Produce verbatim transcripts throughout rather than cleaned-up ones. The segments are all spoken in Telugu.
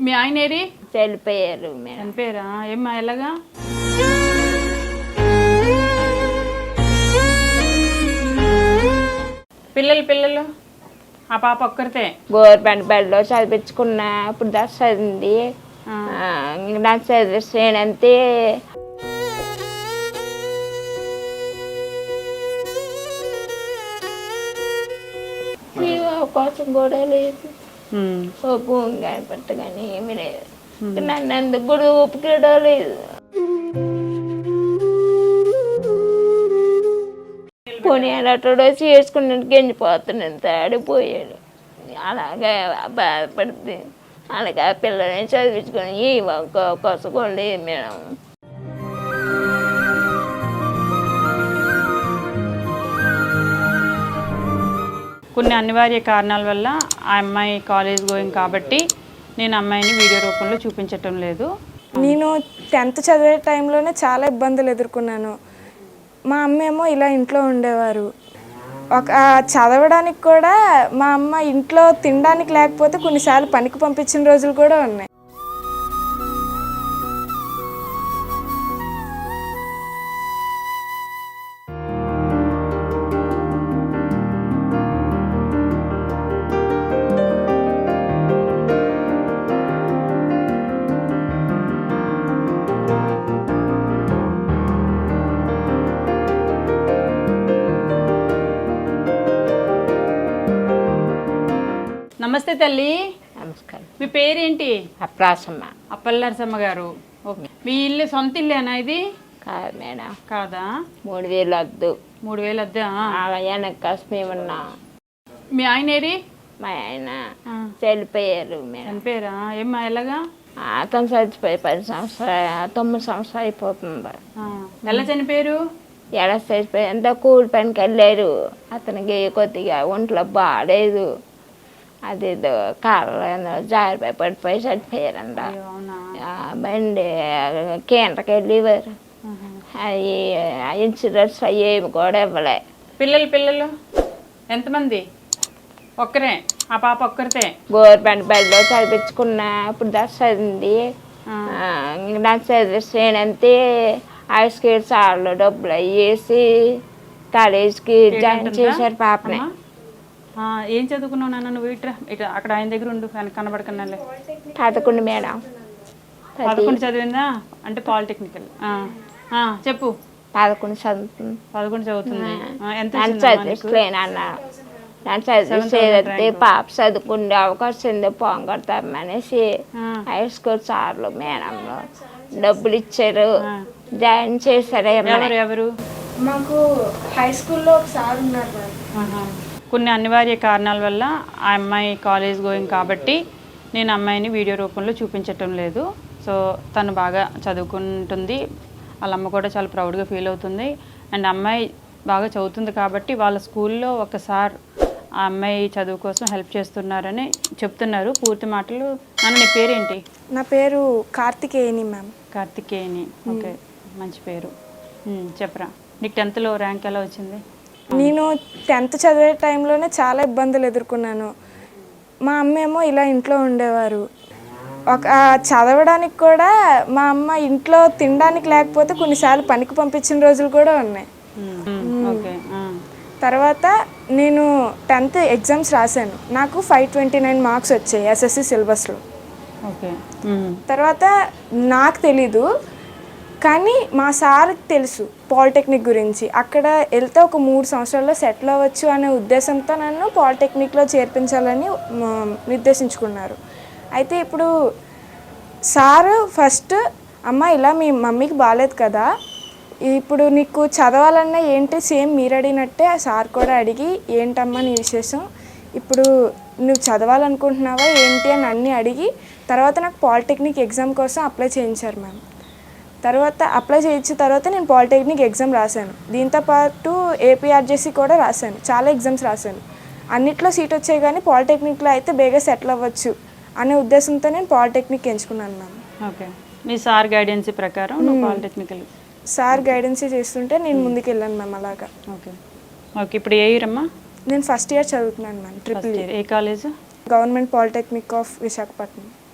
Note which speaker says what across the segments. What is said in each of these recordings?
Speaker 1: మీ ఆయన ఏరి
Speaker 2: చనిపోయారు మేడం.
Speaker 1: చనిపోయారా? ఏమ్మా ఎలాగా? పిల్లలు పిల్లలు ఆ పాప ఒక్కరితే
Speaker 2: గవర్నమెంట్ బడిలో చదివించుకున్నా. ఇప్పుడు దాకా చదివింది. నాకు చదివిస్తేనంతే అవకాశం కూడా లేదు. ఓ భూమి కానీ పట్ట కానీ ఏమి లేదు. నన్ను అందుకు కూడా ఒప్పుకోవడం లేదు. పోనీ అటో చేసుకున్నట్టు గెంజిపోతున్నాను. తాడిపోయాడు. అలాగే బాధపడుతుంది. అలాగే ఆ పిల్లల్ని చదివించుకొని ఈ అవకాశం కూడా లేదు మేడం.
Speaker 1: కొన్ని అనివార్య కారణాల వల్ల ఆ అమ్మాయి కాలేజ్ గోయింగ్ కాబట్టి నేను అమ్మాయిని వీడియో రూపంలో చూపించటం లేదు.
Speaker 3: నేను టెన్త్ చదివే టైంలోనే చాలా ఇబ్బందులు ఎదుర్కొన్నాను. మా అమ్మ ఏమో ఇలా ఇంట్లో ఉండేవారు. ఒక చదవడానికి కూడా మా అమ్మ ఇంట్లో తినడానికి లేకపోతే కొన్నిసార్లు పనికి పంపించిన రోజులు కూడా ఉన్నాయి.
Speaker 1: నమస్తే తల్లి.
Speaker 2: నమస్కారం.
Speaker 1: మీ పేరేంటి?
Speaker 2: అప్రాసమ్మ.
Speaker 1: అప్పల్ నరసమ్మ గారు. ఓకే. మీ ఇల్లు సొంత ఇల్లేనా ఇది?
Speaker 2: కాదు మేడం.
Speaker 1: కాదా?
Speaker 2: మూడు వేలు వద్దు.
Speaker 1: మూడు వేలు వద్దా?
Speaker 2: వెనక కష్టమేమన్నా.
Speaker 1: మీ ఆయన ఏరి?
Speaker 2: మా ఆయన చనిపోయారు మేడం.
Speaker 1: చనిపోయారా? ఏమ్మా ఎలాగా?
Speaker 2: అతను చచ్చిపోయి పది సంవత్సరాలు తొమ్మిది సంవత్సరాలు అయిపోతుంది.
Speaker 1: ఎలా చనిపోయారు?
Speaker 2: ఎడ చచ్చిపోయి ఎంత కూలి పనికి వెళ్ళారు. అతనికి కొద్దిగా ఒంట్లో బాగాలేదు. అదేదో కాళ్ళ జారిపోయి పడిపోయి చచ్చిపోయారంట. బండి కేంద్రకి వెళ్ళేవారు. అవి ఇన్సూరెన్స్ అయ్యేవి కూడా ఇవ్వలే.
Speaker 1: పిల్లలు పిల్లలు ఎంతమంది? ఒక్కరే? ఆ పాప ఒక్కరితే?
Speaker 2: గవర్నమెంట్ బడిలో చదివించుకున్నా. ఇప్పుడు దాకా చదివింది. నాకు చదివిస్తేనంతే ఐస్కి చాలా డబ్బులు అయ్యేసి కాలేజీకి జాయిన్ చేశారు పాపని.
Speaker 1: ఏం చదువుకున్నావు నాన్న నువ్వు? ఇట్రా ఇట్లా అక్కడ ఆయన దగ్గర ఉండు, ఆయన కనబడకన్నాలే.
Speaker 2: పదకొండు మేడం.
Speaker 1: పదకొండు చదివిందా? అంటే పాలిటెక్నికల్. చెప్పు.
Speaker 2: పదకొండు చదువుతుంది.
Speaker 1: పదకొండు చదువుతుంది. ఎంత
Speaker 2: చదివిస్తలేనన్నా. నన్ను చదివిస్తే పాప చదువుకునే అవకాశం ఉంది పొంగొడతామనేసి హై స్కూల్ సార్లు మేడంలో డబ్బులు ఇచ్చారు, జాయిన్ చేశారు.
Speaker 1: ఎవరు?
Speaker 3: మాకు హై స్కూల్లో ఒక సార్ ఉన్నారు.
Speaker 1: కొన్ని అనివార్య కారణాల వల్ల ఆ అమ్మాయి కాలేజ్ గోయింగ్ కాబట్టి నేను అమ్మాయిని వీడియో రూపంలో చూపించటం లేదు. సో తను బాగా చదువుకుంటుంది. వాళ్ళ అమ్మ కూడా చాలా ప్రౌడ్గా ఫీల్ అవుతుంది. అండ్ అమ్మాయి బాగా చదువుతుంది కాబట్టి వాళ్ళ స్కూల్లో ఒకసారి ఆ అమ్మాయి చదువు కోసం హెల్ప్ చేస్తున్నారని చెప్తున్నారు. పూర్తి మాటలు. నన్ను నీ పేరేంటి?
Speaker 3: నా పేరు కార్తికేయని మ్యామ్.
Speaker 1: కార్తికేయని. ఓకే, మంచి పేరు. చెప్పరా, నీకు టెన్త్లో ర్యాంక్ ఎలా వచ్చింది?
Speaker 3: నేను టెన్త్ చదివే టైంలోనే చాలా ఇబ్బందులు ఎదుర్కొన్నాను. మా అమ్మ ఏమో ఇలా ఇంట్లో ఉండేవారు. ఒక చదవడానికి కూడా మా అమ్మ ఇంట్లో తినడానికి లేకపోతే కొన్నిసార్లు పనికి పంపించిన రోజులు కూడా ఉన్నాయి. తర్వాత నేను టెన్త్ ఎగ్జామ్స్ రాశాను. నాకు ఫైవ్ ట్వంటీ నైన్ మార్క్స్ వచ్చాయి ఎస్ఎస్సి సిలబస్లో. తర్వాత నాకు తెలీదు, కానీ మా సార్కి తెలుసు పాలిటెక్నిక్ గురించి. అక్కడ వెళ్తే ఒక మూడు సంవత్సరాల్లో సెటిల్ అవ్వచ్చు అనే ఉద్దేశంతో నన్ను పాలిటెక్నిక్లో చేర్పించాలని నిర్దేశించుకున్నారు. అయితే ఇప్పుడు సారు ఫస్ట్, అమ్మ ఇలా మీ మమ్మీకి బాగాలేదు కదా, ఇప్పుడు నీకు చదవాలన్నా ఏంటి, సేమ్ మీరు అడిగినట్టే సార్ కూడా అడిగి ఏంటమ్మా నీ విశేషం, ఇప్పుడు నువ్వు చదవాలనుకుంటున్నావా ఏంటి అని అన్నీ అడిగి తర్వాత నాకు పాలిటెక్నిక్ ఎగ్జామ్ కోసం అప్లై చేయించారు మ్యామ్. తర్వాత అప్లై చేయించిన తర్వాత నేను పాలిటెక్నిక్ ఎగ్జామ్ రాశాను. దీంతోపాటు ఏపీఆర్జేసీ కూడా రాశాను. చాలా ఎగ్జామ్స్ రాశాను. అన్నిట్లో సీట్ వచ్చాయి, కానీ పాలిటెక్నిక్లో అయితే బేగా సెటిల్ అవ్వచ్చు అనే ఉద్దేశంతో నేను పాలిటెక్నిక్ ఎంచుకున్నాను మ్యామ్.
Speaker 1: ఓకే, మీ సార్ గైడెన్స్ ప్రకారం పాలిటెక్నికల్
Speaker 3: సార్ గైడెన్స్ చేస్తుంటే నేను ముందుకు వెళ్ళాను మ్యామ్. అలాగా.
Speaker 1: ఓకే ఓకే ఇప్పుడు ఏ ఇయర్ అమ్మా?
Speaker 3: నేను ఫస్ట్ ఇయర్ చదువుతున్నాను మ్యామ్. Triple year.
Speaker 1: ఏ college?
Speaker 3: Government polytechnic of Visakhapatnam.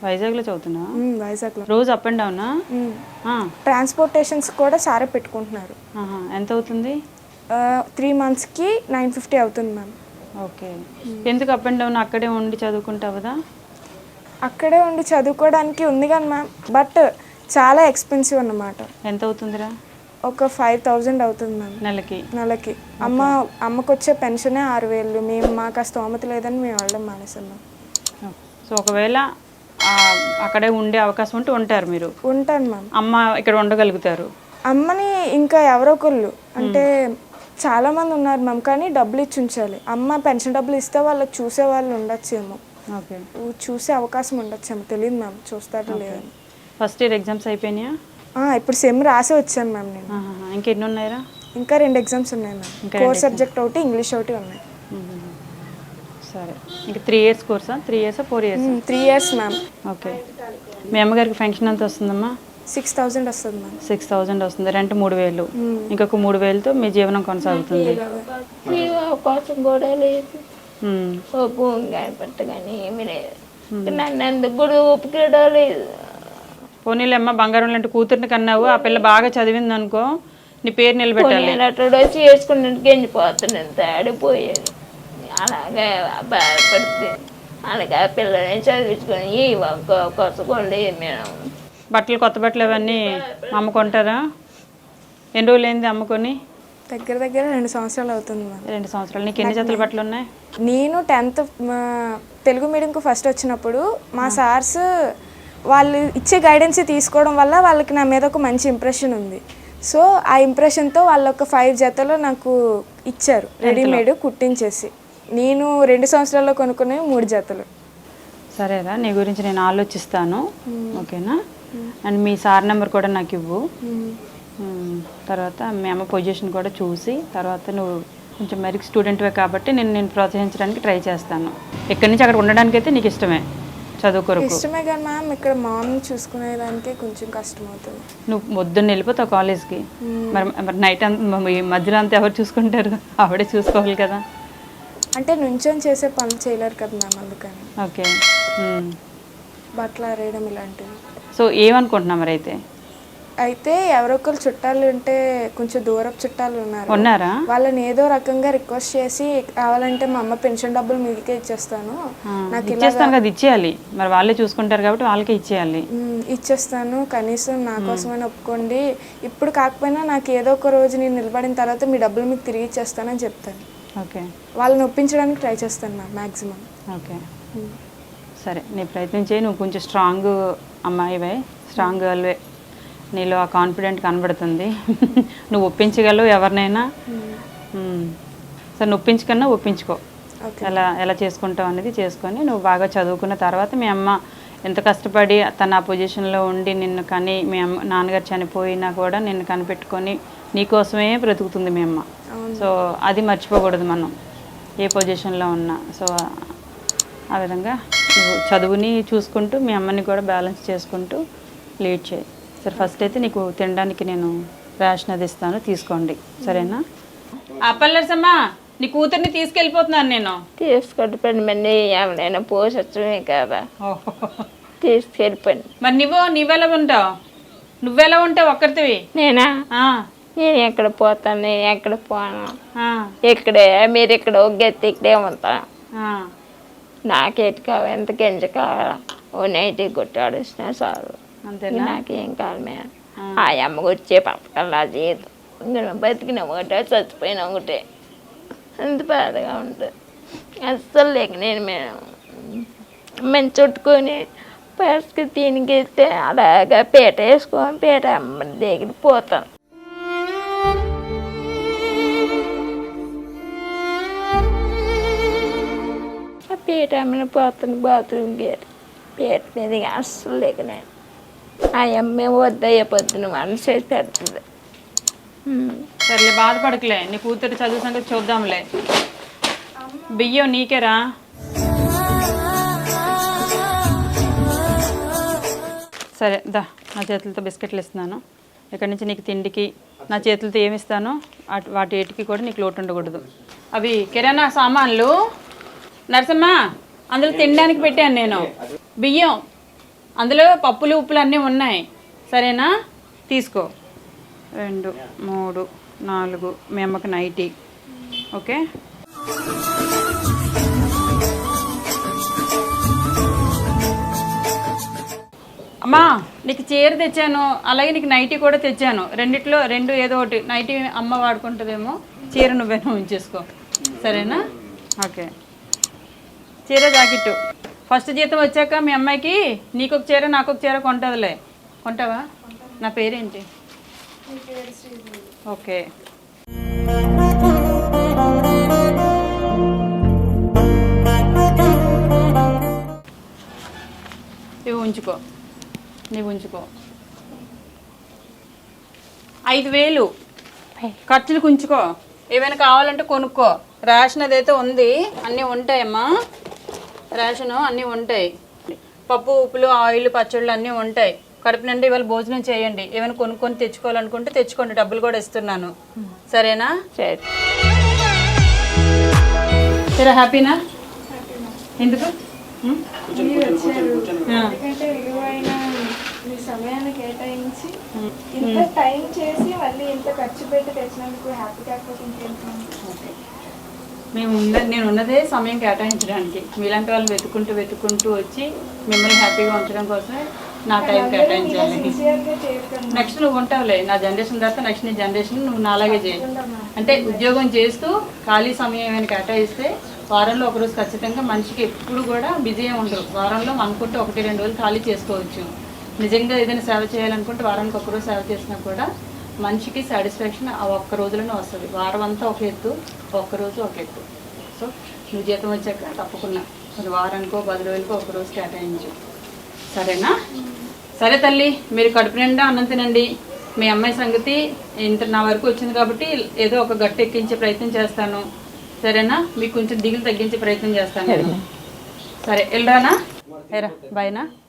Speaker 1: వైజాగ్లో చదువుతున్నా?
Speaker 3: ఉమ్, వైజాగ్లో.
Speaker 1: రోజు అప్ అండ్ డౌనా?
Speaker 3: ట్రాన్స్పోర్టేషన్స్ కూడా సారే పెట్టుకుంటున్నారు.
Speaker 1: ఆహా. ఎంత అవుతుంది?
Speaker 3: త్రీ మంత్స్కి నైన్ ఫిఫ్టీ అవుతుంది మ్యామ్.
Speaker 1: ఓకే. ఎందుకు అప్ అండ్ డౌన్? అక్కడే ఉండి చదువుకుంటావుదా?
Speaker 3: అక్కడే ఉండి చదువుకోవడానికి ఉంది కానీ మ్యామ్, బట్ చాలా ఎక్స్పెన్సివ్ అన్నమాట.
Speaker 1: ఎంత అవుతుందిరా?
Speaker 3: ఒక ఫైవ్ థౌజండ్ అవుతుంది మ్యామ్
Speaker 1: నెలకి.
Speaker 3: నెలకి. అమ్మ అమ్మకు వచ్చే పెన్షనే ఆరు వేలు. మేము మాకు ఆ స్తోమత లేదని మేము వెళ్ళడం మానేసాం మ్యామ్.
Speaker 1: సో ఒకవేళ ఆ, అక్కడే ఉండే అవకాశం ఉంటే ఉంటారు మీరు?
Speaker 3: ఉంటాను మ్యామ్.
Speaker 1: అమ్మ ఇక్కడ ఉండగలుగుతారు?
Speaker 3: అమ్మని ఇంకా ఎవరో ఒకళ్ళు అంటే చాలా మంది ఉన్నారు మ్యామ్, కానీ డబ్బులు ఇచ్చి ఉంచాలి. అమ్మ పెన్షన్ డబ్బులు ఇస్తే వాళ్ళకి చూసే వాళ్ళు ఉండొచ్చేమో,
Speaker 1: ఓకే,
Speaker 3: చూసే అవకాశం ఉండొచ్చేమో, తెలియదు మ్యామ్ చూస్తారో లేదని.
Speaker 1: ఫస్ట్ ఇయర్ ఎగ్జామ్స్ అయిపోయినాయా?
Speaker 3: ఇప్పుడు సెమ్ రాసి వచ్చాను మ్యామ్ నేను.
Speaker 1: ఆహా. ఇంకెన్ని ఉన్నాయరా?
Speaker 3: ఇంకా రెండు ఎగ్జామ్స్ ఉన్నాయి మ్యామ్. కోర్ సబ్జెక్ట్ ఒకటి, ఇంగ్లీష్ ఒకటి ఉన్నాయి.
Speaker 1: సరే. ఇంకా త్రీ ఇయర్స్ కోర్సా? త్రీ ఇయర్సా four years?
Speaker 3: Three years ma'am.
Speaker 1: Okay. మీ అమ్మగారికి ఫంక్షన్ ఎంత వస్తుందమ్మా?
Speaker 3: సిక్స్ థౌజండ్ వస్తుంది మ్యామ్.
Speaker 1: సిక్స్ థౌజండ్ వస్తుంది. రెంట్ మూడు వేలు. ఇంకొక మూడు వేలతో మీ జీవనం కొనసాగుతుంది.
Speaker 2: ఈ అవకాశం కూడా లేదు. ఓ భూమి కానీ పట్ట కానీ ఏమీ లేదు. నన్ను ఎందుకు కూడా ఒప్పుకోవడం లేదు.
Speaker 1: పోనీలేమ్మ, బంగారం లాంటి కూతుర్ని కన్నావు. ఆ పిల్ల బాగా చదివింది అనుకో, నీ పేరు నిలబెట్టాలి.
Speaker 2: అట్లా చేసుకుని గెంజిపోతున్నాను, తాడిపోయాను. అలాగే బాధపడితే అలాగే ఆ పిల్లని చదివించుకొని ఈ కొసకోండి. మేము
Speaker 1: బట్టలు, కొత్త బట్టలు అవన్నీ అమ్ముకుంటారా? ఎన్ని రోజులు అయింది అమ్ముకొని?
Speaker 3: దగ్గర దగ్గర రెండు సంవత్సరాలు అవుతుంది మ్యామ్.
Speaker 1: రెండు సంవత్సరాలు. నీకు ఎన్ని జతల బట్టలు ఉన్నాయి?
Speaker 3: నేను టెన్త్ తెలుగు మీడియంకు ఫస్ట్ వచ్చినప్పుడు మా సార్స్ వాళ్ళు ఇచ్చే గైడెన్స్ తీసుకోవడం వల్ల వాళ్ళకి నా మీద ఒక మంచి ఇంప్రెషన్ ఉంది. సో ఆ ఇంప్రెషన్తో వాళ్ళు ఒక ఫైవ్ జతలు నాకు ఇచ్చారు రెడీమేడ్ కుట్టించేసి. నేను రెండు సంవత్సరాల్లో కొనుక్కునే మూడు జతలు.
Speaker 1: సరేరా, నీ గురించి నేను ఆలోచిస్తాను. ఓకేనా? అండ్ మీ సార్ నెంబర్ కూడా నాకు ఇవ్వు. తర్వాత మీ అమ్మ పొజిషన్ కూడా చూసి, తర్వాత నువ్వు కొంచెం మెరిట్ స్టూడెంట్వే కాబట్టి నేను నేను ప్రోత్సహించడానికి ట్రై చేస్తాను. ఇక్కడి నుంచి అక్కడ ఉండడానికి అయితే నీకు ఇష్టమే? చదువు కొరకు
Speaker 3: ఇష్టమే కానీ మ్యామ్ ఇక్కడ మామూలు చూసుకునేదానికి కొంచెం కష్టం అవుతుంది.
Speaker 1: నువ్వు పొద్దున్న వెళ్ళిపోతావు కాలేజ్కి, మరి మరి నైట్ అంతా మధ్యలో అంతా ఎవరు చూసుకుంటారు? ఆవిడే చూసుకోవాలి కదా.
Speaker 3: అంటే నుంచొని చేసే పనులు చేయలేరు కదా మ్యామ్, అందుకని.
Speaker 1: ఓకే.
Speaker 3: బట్టలు ఆరేయడం ఇలాంటివి.
Speaker 1: సో ఏమనుకుంటున్నా మరి అయితే?
Speaker 3: అయితే ఎవరొకరు చుట్టాలు ఉంటే కొంచెం దూరపు చుట్టాలు ఉన్నారు,
Speaker 1: ఉన్నారా?
Speaker 3: వాళ్ళని ఏదో రకంగా రిక్వెస్ట్ చేసి కావాలంటే మా అమ్మ పెన్షన్ డబ్బులు మీకే ఇచ్చేస్తాను, నాకు
Speaker 1: ఇచ్చేస్తాను కదా, ఇచ్చేయాలి. మరి వాళ్ళే చూసుకుంటారు కాబట్టి వాళ్ళకే ఇచ్చేయాలి.
Speaker 3: ఇచ్చేస్తాను, కనీసం నా కోసమైనా ఒప్పుకోండి. ఇప్పుడు కాకపోయినా నాకు ఏదో ఒక రోజు నేను నిలబడిన తర్వాత మీ డబ్బులు మీకు తిరిగి ఇచ్చేస్తానని చెప్తాను.
Speaker 1: ఓకే.
Speaker 3: వాళ్ళని ఒప్పించడానికి ట్రై చేస్తాను మ్యామ్ మ్యాక్సిమం.
Speaker 1: ఓకే, సరే. నీ ప్రయత్నం చేయి. నువ్వు కొంచెం స్ట్రాంగ్ అమ్మాయివే, స్ట్రాంగ్ గర్ల్వే. నీలో ఆ కాన్ఫిడెంట్ కనబడుతుంది. నువ్వు ఒప్పించగలవు ఎవరినైనా. సరే, నువ్వు ఒప్పించుకన్నా ఒప్పించుకో. ఎలా ఎలా చేసుకుంటావు అనేది చేసుకొని నువ్వు బాగా చదువుకున్న తర్వాత మీ అమ్మ ఎంత కష్టపడి తన ఆ పొజిషన్లో ఉండి నిన్ను కానీ, మీ అమ్మ నాన్నగారు చనిపోయినా కూడా నిన్ను కనిపెట్టుకొని నీకోసమే బ్రతుకుతుంది మీ అమ్మ. సో అది మర్చిపోకూడదు మనం, ఏ పొజిషన్లో ఉన్నా. సో ఆ విధంగా నువ్వు చదువుని చూసుకుంటూ మీ అమ్మని కూడా బ్యాలెన్స్ చేసుకుంటూ లీడ్ చేయి. సరే, ఫస్ట్ అయితే నీకు తినడానికి నేను రేషన్ అది ఇస్తాను, తీసుకోండి. సరేనా? అప్పల్లర్సమ్మా, నీ కూతుర్ని తీసుకెళ్ళిపోతున్నాను నేను.
Speaker 2: తీసుకొని పని మంది ఎవరైనా పోషమే కదా, తీసుకెళ్ళిపోయింది.
Speaker 1: మరి నువ్వు నువ్వెలా ఉంటావు? నువ్వెలా ఉంటావు ఒక్కరితివి?
Speaker 2: నేనా? నేను ఎక్కడ పోతాను, నేను ఎక్కడ పోను. ఇక్కడే మీరు ఇక్కడ ఒగ్గెత్తి ఇక్కడే ఉంటాను. నాకేటి కావాలి, ఎంత గింజ కావాలా, ఓ నైటీ కొట్టాడిసినా చాలు.
Speaker 1: అంతేనా?
Speaker 2: నాకేం కాదు మేడం. ఆ అమ్మకు వచ్చే పథకాలు ఆ జీతం, ఇంకా బతికిన ఒకటే చచ్చిపోయిన ఒకటే, అంత బాధగా ఉంటుంది. అస్సలు లేక నేను మేడం మంచి చుట్టుకొని పసుకు తినిగిస్తే అలాగా పీట వేసుకొని పీట అమ్మ దగ్గర పోతాను. ఆ పీట అమ్మని పోతాను బాత్రూమ్ గేట్ పీట మీద అస్సలు లేక నేను ఆ అమ్మే వద్దయ్యే పొద్దున మనసు చేసి పెడుతుంది.
Speaker 1: సర్లే, బాధపడకలే. నీ కూతురు చదువు సంగతి చూద్దాంలే. బియ్యం నీకేరా? సరే దా, నా చేతులతో బిస్కెట్లు ఇస్తున్నాను. ఇక్కడి నుంచి నీకు తిండికి నా చేతులతో ఏమి ఇస్తానో వాటి ఏటికి కూడా నీకు లోటు ఉండకూడదు. అవి కిరాణా సామాన్లు నరసమ్మ అందులో తినడానికి పెట్టాను నేను. బియ్యం అందులో పప్పులు ఉప్పులు అన్నీ ఉన్నాయి, సరేనా? తీసుకో. రెండు మూడు నాలుగు మీ అమ్మకి నైటీ. ఓకే, అమ్మా నీకు చీర తెచ్చాను, అలాగే నీకు నైటీ కూడా తెచ్చాను. రెండిట్లో రెండు ఏదో ఒకటి. నైటీ అమ్మ వాడుకుంటుందేమో, చీర నువ్వేనో ఉంచేసుకో, సరేనా? ఓకే, చీర జాకెట్ ఫస్ట్ జీతం వచ్చాక మీ అమ్మాయికి నీకు ఒక చీర నాకు ఒక చీర కొంటుందిలే. కొంటావా? నా పేరేంటి? ఓకే, ఇవి ఉంచుకో, నీవు ఉంచుకో. ఐదు వేలు ఖర్చులకు ఉంచుకో, ఏమైనా కావాలంటే కొనుక్కో. రేషన్ అదైతే ఉంది, అన్నీ ఉంటాయమ్మా. రేషను అన్నీ ఉంటాయి, పప్పు ఉప్పులు ఆయిల్ పచ్చళ్ళు అన్నీ ఉంటాయి. కడుపు నిండా ఇవాళ భోజనం చేయండి. ఏమైనా కొనుక్కొని తెచ్చుకోవాలనుకుంటే తెచ్చుకోండి, డబ్బులు కూడా ఇస్తున్నాను, సరేనా?
Speaker 2: సరే.
Speaker 1: సరే, హ్యాపీనా? ఎందుకు?
Speaker 3: ఎందుకంటే విలువైన మీ సమయాన్ని కేటాయించి ఇంత టైం చేసి మళ్ళీ ఇంత ఖర్చు పెట్టి తెచ్చినందుకు హ్యాపీ కాకపోతే ఇంకేంటి?
Speaker 1: మేము ఉన్న నేను ఉన్నదే సమయం కేటాయించడానికి. మీలాంటి వాళ్ళు వెతుకుంటూ వెతుకుంటూ వచ్చి మిమ్మల్ని హ్యాపీగా ఉంచడం కోసమే నా టైం కేటాయించాలి. నెక్స్ట్ నువ్వు ఉంటావులే, నా జనరేషన్ తర్వాత నెక్స్ట్ నీ జనరేషన్ నువ్వు నాలాగే చేయి. అంటే ఉద్యోగం చేస్తూ ఖాళీ సమయం ఏమైనా కేటాయిస్తే వారంలో ఒకరోజు ఖచ్చితంగా, మనిషికి ఎప్పుడు కూడా బిజీ ఉండరు. వారంలో అనుకుంటే ఒకటి రెండు రోజులు ఖాళీ చేసుకోవచ్చు. నిజంగా ఏదైనా సేవ చేయాలనుకుంటే వారానికి ఒకరోజు సేవ చేసినా కూడా మనిషికి సాటిస్ఫాక్షన్ ఆ ఒక్క రోజులోనే వస్తుంది. వారం అంతా ఒక ఎత్తు, ఒక్కరోజు ఒక ఎత్తు. సో నువ్వు జీతం వచ్చాక తప్పకుండా మరి వారానికో పది రోజులకో ఒకరోజు కేటాయించు, సరేనా? సరే తల్లి, మీరు కడుపు నిండా అన్నం తినండి. మీ అమ్మాయి సంగతి ఇంత నా వరకు వచ్చింది కాబట్టి ఏదో ఒక గట్టు ఎక్కించే ప్రయత్నం చేస్తాను, సరేనా? మీకు కొంచెం దిగులు తగ్గించే ప్రయత్నం చేస్తాను. సరే, వెళ్ళరానా? ఏరా, బాయ్నా?